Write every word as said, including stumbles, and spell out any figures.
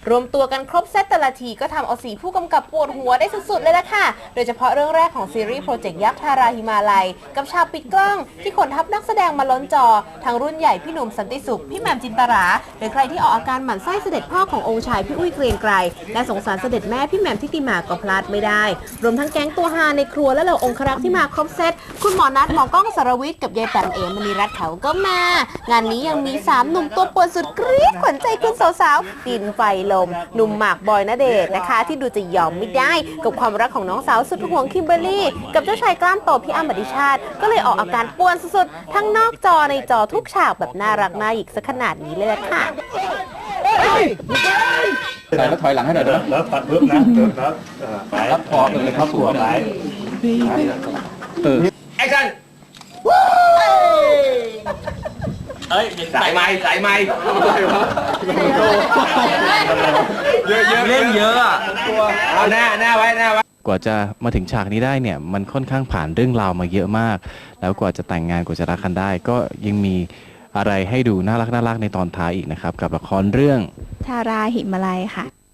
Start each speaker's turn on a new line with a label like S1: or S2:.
S1: รวมตัวกันครบเซตแต่ละทีก็ทำเอาสีผู้กำกับปวดหัวได้สุดๆเลยละค่ะโดยเฉพาะเรื่องแรกของซีรีส์โปรเจกต์ยักษ์ทาราหิมาลัยกับฉากปิดกล้องที่ขนทัพนักแสดงมาล้นจอทั้งรุ่นใหญ่พี่หนุ่มสันติสุขพี่แหม่มจินตราหรือใครที่ออกอาการหมั่นไส้เสด็จพ่อขององค์ชายพี่อุ้ยเกรียงไกรและสงสารเสด็จแม่พี่แหม่มทิติมาก็พลาดไม่ได้รวมทั้งแก๊งตัวฮาในครัวและเหล่าองครักษ์ที่มาครบเซตคุณหมอนัทหมอกล้องสรวิทย์กับยายแปมเอ๋มณีรัตน์เขาก็มางานนี้ยังมีสามหนุ่มตัวป่วนสุดกรี๊ดขวัญใจคุณสาวๆดินไฟลมหนุ่มหมากบอยณเดชน์นะคะที่ดูจะยอมไม่ได้กับความรักของน้องสาวสุดห่วงคิมเบอร์รี่กับเจ้าชายกล้ามโตพี่อ้ำอดิชาติก็เลยออกอาการป่วนสุดๆทั้งนอกจอในจอทุกฉากแบบน่ารักน่าหยิกซะขนาดนี้เลยค่ะ
S2: ใส่แล้วถอยหลังให้หน่อยนะ
S3: แล้วตัดเพิ่มนะเพิ่มแล้วไป
S2: รับพอเลยครับสวย
S3: ไป
S2: เออ
S4: แอคชั่นเอ้ยสายไม้สายไม้เยอะเยอะเล่นเยอะอ่ะเอาหน้าหน้าไว้หน้าไว้
S5: กว่าจะมาถึงฉากนี้ได้เนี่ยมันค่อนข้างผ่านเรื่องราวมาเยอะมากแล้วกว่าจะแต่งงานกว่าจะรักกันได้ก็ยังมีอะไรให้ดูน่ารักน่ารักในตอนท้ายอีกนะครับกับละครเรื่อง
S6: ทาราหิมาลัยค่ะ